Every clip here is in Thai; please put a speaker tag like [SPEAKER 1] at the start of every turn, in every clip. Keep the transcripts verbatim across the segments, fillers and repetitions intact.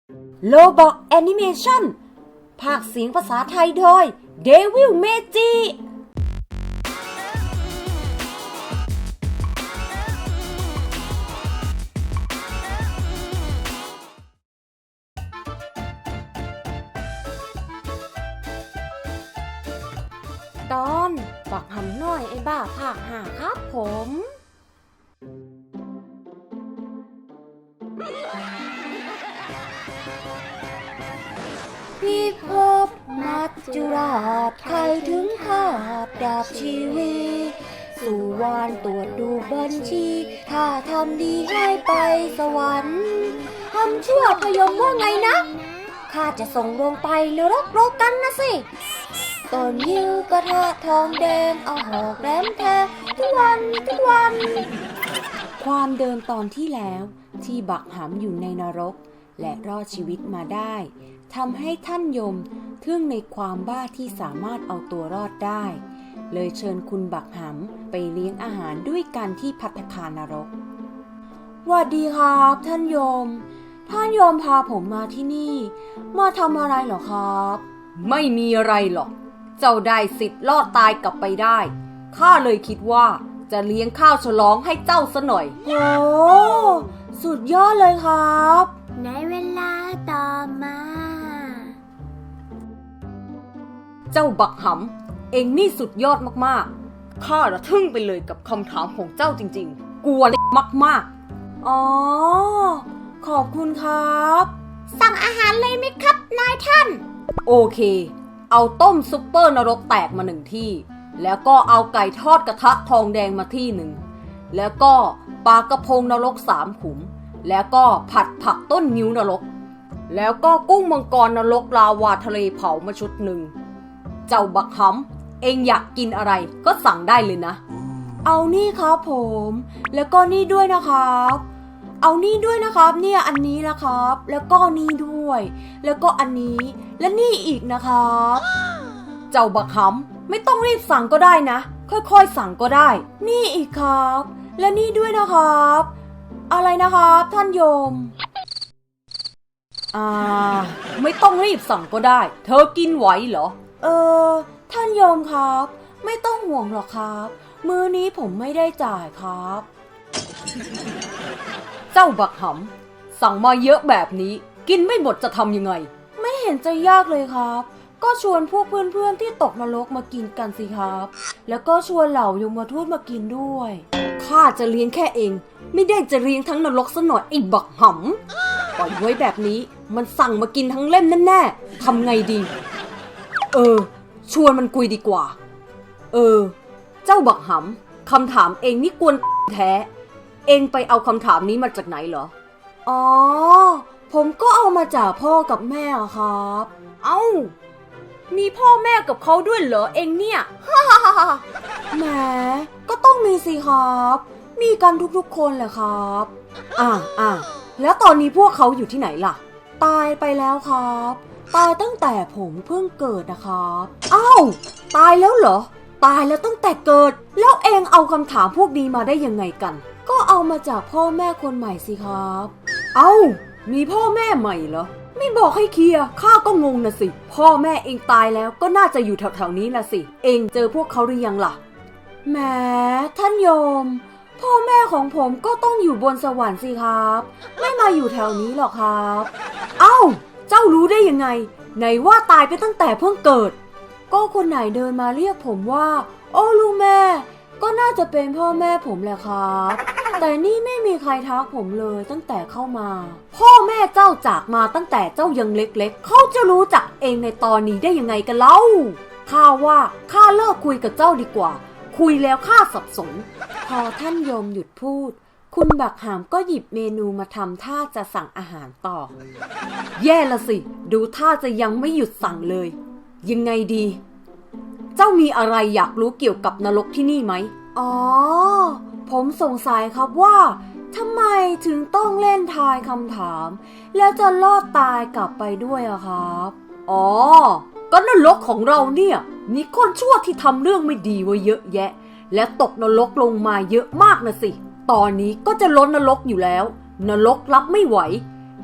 [SPEAKER 1] โลบอกแอนิเมชั่นภาคเสียงภาษาไทยโดยเดวิลเมจิตอนบักหำน้อยไอ้บ้าภาคห้าครับผมพี่พบมัจจุราชใครถึงขาดดาบชีวีสู่วานตรวจดูบัญชีถ้าทำดีให้ไปสวรรค์ทำชั่วพยมว่าไงนะข้าจะส่งลงไปนรกโลกันนะสิต้นยิ้วกระทะทองแดงเอาหอกแหลมแทงทุกวันทุกวันความเดิมตอนที่แล้วที่บักหำอยู่ในนรกและรอดชีวิตมาได้ทำให้ท่านยมทึ่งในความบ้าที่สามารถเอาตัวรอดได้เลยเชิญคุณบักหำไปเลี้ยงอาหารด้วยกันที่ภัตตาคารนรกหวัดดีครับท่านยมท่านยมพาผมมาที่นี่มาทำอะไรเหรอครับไม่มีอะไรหรอกเจ้าได้สิทธิ์รอดตายกลับไปได้ข้าเลยคิดว่าจะเลี้ยงข้าวฉลองให้เจ้าซะหน่อยโอ้สุดยอดเลยครับในเวลาต่อมาเจ้าบักหำเอ็งนี่สุดยอดมากๆข้าระทึ่งไปเลยกับคำถามของเจ้าจริงๆกลัวเล็กมากๆอ๋อขอบคุณครับสั่งอาหารเลยไหมครับนายท่านโอเคเอาต้มซุปเปอร์นรกแตกมาหนึ่งที่แล้วก็เอาไก่ทอดกระทะทองแดงมาที่หนึ่งแล้วก็ปลากระพงนรกสามขุมแล้วก็ผัดผักต้นนิ้วนรกแล้วก็กุ้งมังกรนรกลาวาทะเลเผามาชุดหนึ่งเจ้าบักหำเองอยากกินอะไรก็สั่งได้เลยนะเอานี่ครับผมแล้วก็นี่ด้วยนะครับเอานี่ด้วยนะครับเนี่ยอันนี้นะครับแล้วก็นี่ด้วยแล้วก็อันนี้และนี่อีกนะครับเจ้าบักหำไม่ต้องรีบสั่งก็ได้นะค่อยๆสั่งก็ได้นี่อีกครับและนี่ด้วยนะครับอะไรนะครับท่านโยมอ่าไม่ต้องรีบสั่งก็ได้เธอกินไหวเหรอเออท่านโยมครับไม่ต้องห่วงหรอกครับมื้อนี้ผมไม่ได้จ่ายครับเจ้าบักหำสั่งมาเยอะแบบนี้กินไม่หมดจะทำยังไงไม่เห็นจะยากเลยครับก็ชวนพวกเพื่อนๆที่ตกนรกมากินกันสิครับแล้วก็ชวนเหล่ายมทูตมากินด้วยข้าจะเลี้ยงแค่เองไม่ได้จะเลี้ยงทั้งนรกซะหน่อยไอ้บักหำปล่อยไว้แบบนี้มันสั่งมากินทั้งเล่มแน่ๆทำไงดีเออชวนมันคุยดีกว่าเออเจ้าบักหำคำถามเองนี่กวนแท้เองไปเอาคำถามนี้มาจากไหนเหรออ๋อผมก็เอามาจากพ่อกับแม่ครับเอ้ามีพ่อแม่กับเขาด้วยเหรอเองเนี่ยฮ่าฮ่าฮ่าแหมก็ต้องมีสิครับมีกันทุกๆคนแหละครับอ่าอ่าแล้วตอนนี้พวกเขาอยู่ที่ไหนล่ะตายไปแล้วครับตายตั้งแต่ผมเพิ่งเกิดนะครับอ้าวตายแล้วเหรอตายแล้วตั้งแต่เกิดแล้วเองเอาคำถามพวกนี้มาได้ยังไงกันก็เอามาจากพ่อแม่คนใหม่สิครับเอ้ามีพ่อแม่ใหม่เหรอไม่บอกให้เคลียร์ข้าก็งงนะสิพ่อแม่เองตายแล้วก็น่าจะอยู่แถวๆนี้นะสิเองเจอพวกเขาหรือยังล่ะแหมท่านโยมพ่อแม่ของผมก็ต้องอยู่บนสวรรค์สิครับไม่มาอยู่แถวนี้หรอกครับเอ้าเจ้ารู้ได้ยังไงไหนว่าตายไปตั้งแต่เพิ่งเกิดก็คนไหนเดินมาเรียกผมว่าโอ้ลูกแม่ก็น่าจะเป็นพ่อแม่ผมแหละครับแต่นี่ไม่มีใครทักผมเลยตั้งแต่เข้ามาพ่อแม่เจ้าจากมาตั้งแต่เจ้ายังเล็กๆเขาจะรู้จักเองในตอนนี้ได้ยังไงกันเล่าข้าว่าข้าเลิกคุยกับเจ้าดีกว่าคุยแล้วข้าสับสนพอท่านโยมหยุดพูดคุณบักหามก็หยิบเมนูมาทำท่าจะสั่งอาหารต่อแย่ละสิดูท่าจะยังไม่หยุดสั่งเลยยังไงดีเจ้ามีอะไรอยากรู้เกี่ยวกับนรกที่นี่ไหมอ๋อผมสงสัยครับว่าทำไมถึงต้องเล่นทายคำถามแล้วจะรอดตายกลับไปด้วยอะครับอ๋อก็นรกของเราเนี่ยมีคนชั่วที่ทำเรื่องไม่ดีไว้เยอะแยะและตกนรกลงมาเยอะมากนะสิตอนนี้ก็จะล้นนรกอยู่แล้วนรกรับไม่ไหว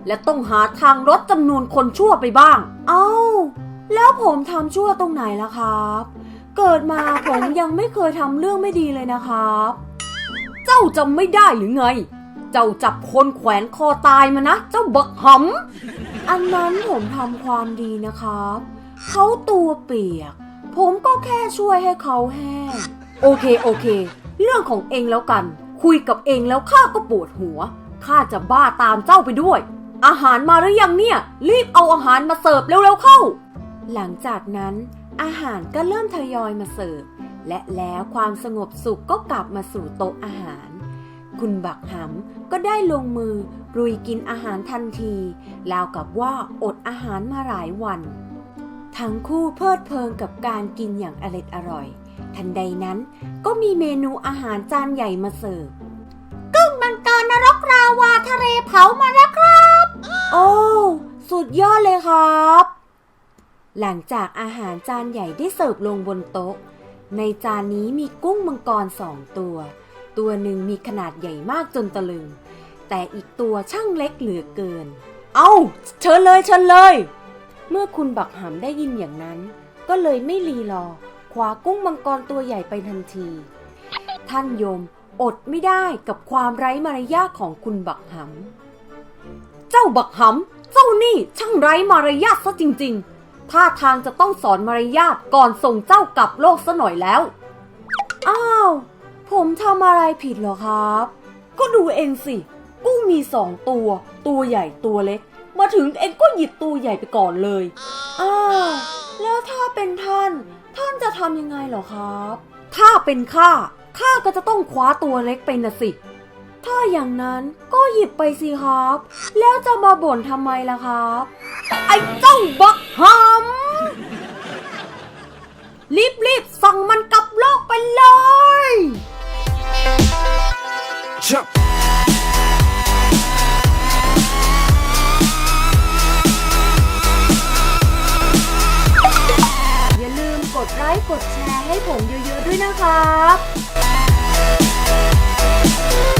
[SPEAKER 1] และต้องหาทางลดจำนวนคนชั่วไปบ้าง เอ้าแล้วผมทำชั่วตรงไหนล่ะครับ เกิดมาผมยังไม่เคยทำเรื่องไม่ดีเลยนะครับ เจ้าจำไม่ได้หรือไง เจ้าจับคนแขวนคอตายมานะ เจ้าบักหำอันนั้นผมทำความดีนะครับเขาตัวเปียกผมก็แค่ช่วยให้เขาแห้งโอเคโอเคเรื่องของเองแล้วกันคุยกับเองแล้วข้าก็ปวดหัวข้าจะบ้าตามเจ้าไปด้วยอาหารมาหรือยังเนี่ยรีบเอาอาหารมาเสิร์ฟเร็วๆเข้าหลังจากนั้นอาหารก็เริ่มทยอยมาเสิร์ฟและแล้วความสงบสุขก็กลับมาสู่โต๊ะอาหารคุณบักหำก็ได้ลงมือรุยกินอาหารทันทีราวกับว่าอดอาหารมาหลายวันทั้งคู่เพลิดเพลินกับการกินอย่างอร็ดอร่อยทันใดนั้นก็มีเมนูอาหารจานใหญ่มาเสิร์ฟกุ้งมังกรนรกราวาทะเลเผามาแล้วครับโอ้สุดยอดเลยครับหลังจากอาหารจานใหญ่ได้เสิร์ฟลงบนโต๊ะในจานนี้มีกุ้งมังกรสองตัวตัวหนึ่งมีขนาดใหญ่มากจนตะลึงแต่อีกตัวช่างเล็กเหลือเกินเอ้าเชิญเลยเชิญเลยเมื่อคุณบักหำได้ยินอย่างนั้นก็เลยไม่รีรอคว้ากุ้งมังกรตัวใหญ่ไปทันทีท่านโยมอดไม่ได้กับความไร้มารยาทของคุณบักหำเจ้าบักหำเจ้านี่ช่างไร้มารยาทซะจริงๆท่าทางจะต้องสอนมารยาทก่อนส่งเจ้ากลับโลกซะหน่อยแล้วอ้าวผมทำอะไรผิดเหรอครับก็ดูเองสิกุ้งมีสองตัวตัวใหญ่ตัวเล็กมาถึงเองก็หยิบตัวใหญ่ไปก่อนเลยอ้าวแล้วถ้าเป็นท่านท่านจะทำยังไงเหรอครับถ้าเป็นข้าข้าก็จะต้องคว้าตัวเล็กไปนะสิถ้าอย่างนั้นก็หยิบไปสิครับแล้วจะมาบ่นทำไมล่ะครับไอ้เจ้าบักหำรีบๆสั่งมันกลับโลกไปเลยอย่าลืมกดไลค์กดแชร์ให้ผมเยอะๆด้วยนะครับ